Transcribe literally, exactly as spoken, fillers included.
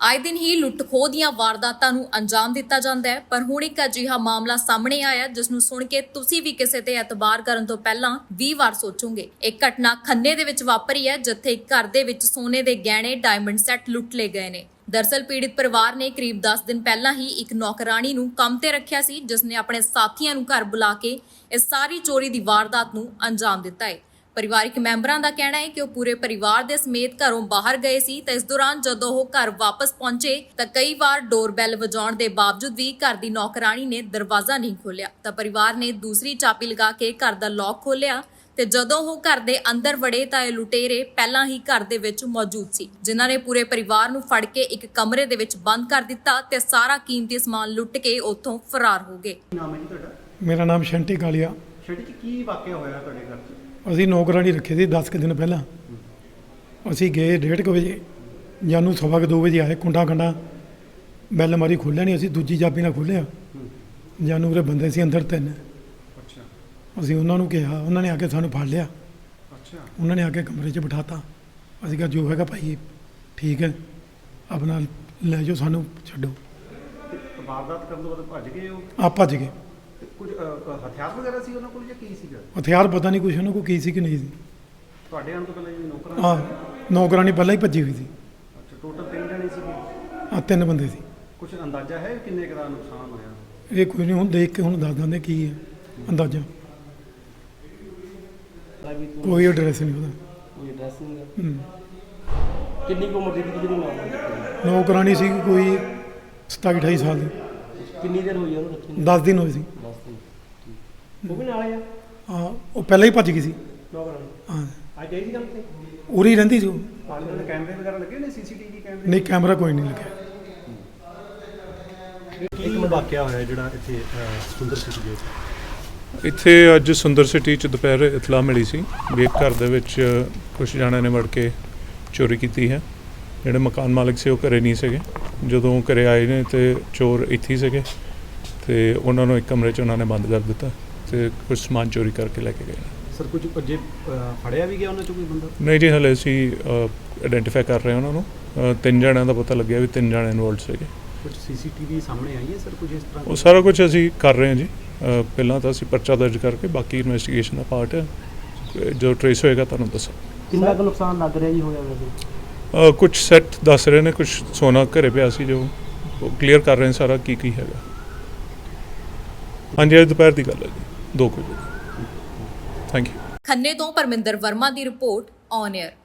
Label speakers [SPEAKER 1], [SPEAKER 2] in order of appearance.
[SPEAKER 1] ਆਏ ਦਿਨ ਹੀ ਲੁੱਟ-ਖੋਹ ਦੀਆਂ ਵਾਰਦਾਤਾਂ ਨੂੰ ਅੰਜਾਮ ਦਿੱਤਾ ਜਾਂਦਾ ਹੈ, ਪਰ ਹੁਣ ਇੱਕ ਅਜਿਹਾ ਮਾਮਲਾ ਸਾਹਮਣੇ ਆਇਆ ਜਿਸ ਨੂੰ ਸੁਣ ਕੇ ਤੁਸੀਂ ਵੀ ਕਿਸੇ ਤੇ ਇਤਬਾਰ ਕਰਨ ਤੋਂ ਪਹਿਲਾਂ ਵੀਹ ਵਾਰ ਸੋਚੋਗੇ। ਇਹ ਘਟਨਾ ਖੰਨੇ ਦੇ ਵਿੱਚ ਵਾਪਰੀ ਹੈ, ਜਿੱਥੇ ਇੱਕ ਘਰ ਦੇ ਵਿੱਚ ਸੋਨੇ ਦੇ ਗਹਿਣੇ, ਡਾਇਮੰਡ ਸੈੱਟ ਲੁੱਟ ਲਏ ਗਏ ਨੇ। ਦਰਅਸਲ ਪੀੜਿਤ ਪਰਿਵਾਰ ਨੇ ਕਰੀਬ ਦਸ ਦਿਨ ਪਹਿਲਾਂ ਹੀ ਇੱਕ ਨੌਕਰਾਣੀ ਨੂੰ ਕੰਮ ਤੇ ਰੱਖਿਆ ਸੀ, ਜਿਸ ਨੇ ਆਪਣੇ ਸਾਥੀਆਂ ਨੂੰ ਘਰ ਬੁਲਾ ਕੇ ਇਸ ਸਾਰੀ ਚੋਰੀ ਦੀ ਵਾਰਦਾਤ ਨੂੰ ਅੰਜਾਮ ਦਿੱਤਾ ਹੈ। ਪਰਿਵਾਰਿਕ ਮੈਂਬਰਾਂ ਦਾ ਕਹਿਣਾ ਹੈ ਕਿ ਉਹ ਪੂਰੇ ਪਰਿਵਾਰ ਦੇ ਸਮੇਤ ਘਰੋਂ ਬਾਹਰ ਗਏ ਸੀ ਤਾਂ ਇਸ ਦੌਰਾਨ ਜਦੋਂ ਉਹ ਘਰ ਵਾਪਸ ਪਹੁੰਚੇ ਤਾਂ ਕਈ ਵਾਰ ਡੋਰਬੈਲ ਵਜਾਉਣ ਦੇ ਬਾਵਜੂਦ ਵੀ ਘਰ ਦੀ ਨੌਕਰਾਣੀ ਨੇ ਦਰਵਾਜ਼ਾ ਨਹੀਂ ਖੋਲ੍ਹਿਆ ਤਾਂ ਪਰਿਵਾਰ ਨੇ ਦੂਸਰੀ ਚਾਬੀ ਲਗਾ ਕੇ ਘਰ ਦਾ ਲੌਕ ਖੋਲ੍ਹਿਆ ਤੇ ਜਦੋਂ ਉਹ ਘਰ ਦੇ ਅੰਦਰ ਵੜੇ ਤਾਂ ਇਹ ਲੁਟੇਰੇ ਪਹਿਲਾਂ ਹੀ ਘਰ ਦੇ ਵਿੱਚ ਮੌਜੂਦ ਸੀ, ਜਿਨ੍ਹਾਂ ਨੇ ਪੂਰੇ ਪਰਿਵਾਰ ਨੂੰ ਫੜ ਕੇ ਇੱਕ ਕਮਰੇ ਦੇ ਵਿੱਚ ਬੰਦ ਕਰ ਦਿੱਤਾ ਤੇ ਸਾਰਾ ਕੀਮਤੀ ਸਮਾਨ ਲੁੱਟ ਕੇ ਉੱਥੋਂ ਫਰਾਰ ਹੋ ਗਏ।
[SPEAKER 2] ਨਾਮ ਹੈ ਜੀ ਤੁਹਾਡਾ?
[SPEAKER 3] ਮੇਰਾ ਨਾਮ ਸ਼ੰਟੀ ਕਾਲੀਆ।
[SPEAKER 2] ਸ਼ੰਟੀ ਜੀ, ਕੀ ਵਾਕਿਆ ਹੋਇਆ ਤੁਹਾਡੇ ਘਰ 'ਚ?
[SPEAKER 3] ਅਸੀਂ ਨੌਕਰਾਣੀ ਰੱਖੀ ਸੀ ਦਸ ਕੁ ਦਿਨ ਪਹਿਲਾਂ। ਅਸੀਂ ਗਏ ਡੇਢ ਕੁ ਵਜੇ, ਜਾਨੂੰ ਸਵਾ ਕੁ ਦੋ ਵਜੇ ਆਏ। ਕੁੰਡਾ ਕੰਡਾ ਬੈਲ ਮਾਰੀ, ਖੋਲ੍ਹਿਆ ਨਹੀਂ। ਅਸੀਂ ਦੂਜੀ ਚਾਬੀ ਨਾਲ ਖੋਲ੍ਹਿਆ। ਜਾਨੂੰ ਉਹਦੇ ਬੰਦੇ ਸੀ ਅੰਦਰ ਤਿੰਨ।
[SPEAKER 2] ਅੱਛਾ।
[SPEAKER 3] ਅਸੀਂ ਉਹਨਾਂ ਨੂੰ ਕਿਹਾ, ਉਹਨਾਂ ਨੇ ਆ ਕੇ ਸਾਨੂੰ ਫੜ ਲਿਆ।
[SPEAKER 2] ਅੱਛਾ।
[SPEAKER 3] ਉਹਨਾਂ ਨੇ ਆ ਕੇ ਕਮਰੇ 'ਚ ਬਿਠਾਤਾ। ਅਸੀਂ ਕਿਹਾ ਜੋ ਹੈਗਾ ਭਾਈ ਠੀਕ ਹੈ, ਆਪਣਾ ਲੈ ਜਾਓ, ਸਾਨੂੰ ਛੱਡੋ।
[SPEAKER 2] ਤੇ ਵਾਰਦਾਤ ਕਰਨ ਤੋਂ ਬਾਅਦ ਭੱਜ ਗਏ ਉਹ?
[SPEAKER 3] ਆ ਭੱਜ ਗਏ।
[SPEAKER 2] ਤੇ ਕੁਝ ਅ, ਹਥਿਆਰ ਵਗੈਰਾ ਸੀ ਉਹਨਾਂ ਕੋਲ ਜਾਂ ਕੀ ਸੀਗਾ?
[SPEAKER 3] ਹਥਿਆਰ ਪਤਾ ਨਹੀਂ ਕੁਛ ਉਹਨਾਂ ਕੋਲ ਕੀ ਸੀ ਕਿ ਨਹੀਂ ਸੀ।
[SPEAKER 2] ਤੁਹਾਡੇ ਆਉਣ ਤੋਂ ਪਹਿਲਾਂ ਜੀ ਨੌਕਰਾਂ?
[SPEAKER 3] ਹਾਂ, ਨੌਕਰਾਣੀ ਪਹਿਲਾਂ ਹੀ ਭੱਜੀ ਹੋਈ ਸੀ।
[SPEAKER 2] ਅੱਛਾ, ਟੋਟਲ ਤਿੰਨ ਜਣੇ ਸੀਗੇ?
[SPEAKER 3] ਆ ਤਿੰਨ ਬੰਦੇ ਸੀ।
[SPEAKER 2] ਕੁਝ ਅੰਦਾਜ਼ਾ ਹੈ ਕਿੰਨੇ ਕੁ ਦਾ ਨੁਕਸਾਨ ਹੋਇਆ?
[SPEAKER 3] ਇਹ ਕੋਈ ਨਹੀਂ, ਹੁਣ ਦੇਖ ਕੇ ਹੁਣ ਦੱਸ ਦਿੰਦੇ ਕੀ ਹੈ ਅੰਦਾਜ਼ਾ। ਕੋਈ ਐਡਰੈਸ ਨਹੀਂ ਉਹਦਾ।
[SPEAKER 4] ਕੋਈ ਐਡਰੈਸ ਨਹੀਂ ਹੈ।
[SPEAKER 3] ਹੂੰ।
[SPEAKER 4] ਕਿੰਨੀ ਕੁ ਉਮਰ ਦੀ ਸੀ ਜਿਹੜੀ ਮਾਮਲਾ?
[SPEAKER 3] ਨੌਕਰਾਣੀ ਸੀ ਕੋਈ ਸਤਾਈ ਅਠਾਈ ਸਾਲ ਦੀ।
[SPEAKER 4] ਕਿੰਨੀ ਦੇਰ ਹੋਈ ਉਹਨੂੰ ਰੱਖੀ ਨੂੰ?
[SPEAKER 3] ਦਸ ਦਿਨ ਹੋਏ ਸੀ।
[SPEAKER 4] ਦਸ ਦਿਨ। ਠੀਕ। ਉਹ ਵੀ ਨਾਲ ਆ?
[SPEAKER 3] ਹਾਂ, ਉਹ ਪਹਿਲਾਂ ਹੀ ਭੱਜ ਗਈ ਸੀ।
[SPEAKER 4] ਨੌਕਰਾਣੀ
[SPEAKER 3] ਹਾਂ,
[SPEAKER 4] ਅੱਜ ਆਈ ਸੀ ਕੰਮ ਤੇ?
[SPEAKER 3] ਉਰੀ ਹੀ ਰਹਿੰਦੀ ਸੀ ਉਹ।
[SPEAKER 2] ਆਲੇ ਦੁਆਲੇ ਕੈਮਰੇ ਵਗੈਰਾ ਲੱਗੇ ਨੇ? ਸੀਸੀਟੀਵੀ ਕੈਮਰੇ?
[SPEAKER 3] ਨਹੀਂ, ਕੈਮਰਾ ਕੋਈ ਨਹੀਂ ਲੱਗਿਆ।
[SPEAKER 2] ਇੱਕ ਵਾਕਿਆ ਹੋਇਆ ਜਿਹੜਾ ਇੱਥੇ ਸੁੰਦਰ ਸਿਟੀ ਦੇ
[SPEAKER 5] ਇੱਥੇ ਅੱਜ ਸੁੰਦਰ ਸਿਟੀ 'ਚ ਦੁਪਹਿਰ ਇਤਲਾਹ ਮਿਲੀ ਸੀ ਵੀ ਇੱਕ ਘਰ ਦੇ ਵਿੱਚ ਕੁਛ ਜਣਿਆਂ ਨੇ ਵੜ ਕੇ ਚੋਰੀ ਕੀਤੀ ਹੈ। ਜਿਹੜੇ ਮਕਾਨ ਮਾਲਕ ਸੀ ਉਹ ਘਰੇ ਨਹੀਂ ਸੀਗੇ। ਜਦੋਂ ਘਰੇ ਆਏ ਨੇ ਤੇ ਚੋਰ ਇੱਥੇ ਹੀ ਸੀਗੇ ਤੇ ਉਹਨਾਂ ਨੂੰ ਇੱਕ ਕਮਰੇ 'ਚ ਉਹਨਾਂ ਨੇ ਬੰਦ ਕਰ ਦਿੱਤਾ ਤੇ ਕੁਝ ਸਮਾਨ ਚੋਰੀ ਕਰਕੇ ਲੈ ਕੇ ਗਏ।
[SPEAKER 2] ਸਰ, ਕੁਝ ਅੱਜੇ ਫੜਿਆ ਵੀ ਗਿਆ ਉਹਨਾਂ 'ਚੋਂ ਕੋਈ ਬੰਦਾ?
[SPEAKER 5] ਨਹੀਂ ਜੀ, ਹਲੇ ਅਸੀਂ ਆਇਡੈਂਟੀਫਾਈ ਕਰ ਰਹੇ ਹਾਂ ਉਹਨਾਂ ਨੂੰ। ਅ, ਤਿੰਨ ਜਣਿਆਂ ਦਾ ਪਤਾ ਲੱਗਿਆ ਵੀ ਤਿੰਨ ਜਣੇ ਇਨਵੋਲਡ ਸੀਗੇ।
[SPEAKER 2] ਕੁਝ ਸੀਸੀਟੀਵੀ ਸਾਹਮਣੇ ਆਈ ਹੈ ਸਰ ਕੁਝ ਇਸ ਤਰ੍ਹਾਂ?
[SPEAKER 5] ਉਹ ਸਾਰਾ ਕੁਝ ਅਸੀਂ ਕਰ ਰਹੇ ਹਾਂ ਜੀ। ਅ, ਪਹਿਲਾਂ ਤਾਂ ਅਸੀਂ ਪਰਚਾ ਦਰਜ ਕਰਕੇ ਬਾਕੀ ਇਨਵੈਸਟੀਗੇਸ਼ਨ ਦਾ ਪਾਰਟ ਹੈ, ਜੋ ਟਰੇਸ ਹੋਏਗਾ ਤੁਹਾਨੂੰ ਦੱਸਾਂ।
[SPEAKER 4] ਕਿੰਨਾ ਕੁ ਨੁਕਸਾਨ ਲੱਗ ਰਿਹਾ ਜੀ ਹੋਇਆ ਵੈਸੇ?
[SPEAKER 5] Uh, ਕੁਛ ਸੈੱਟ ਦੱਸ ਰਹੇ ਨੇ, ਕੁਛ ਸੋਨਾ ਘਰੇ ਪਿਆ ਸੀ ਜੋ ਕਲੀਅਰ ਕਰ ਰਹੇ ਨੇ ਸਾਰਾ ਕੀ ਕੀ ਹੈਗਾ। ਹਾਂਜੀ, ਅੱਜ ਦੁਪਹਿਰ ਦੀ ਗੱਲ ਹੈ ਜੀ, ਦੋ ਕੁ ਵਜੇ। Thank you.
[SPEAKER 1] ਖੰਨੇ ਤੋਂ ਪਰਮਿੰਦਰ ਵਰਮਾ ਦੀ ਰਿਪੋਰਟ ਔਨ 에ਅਰ।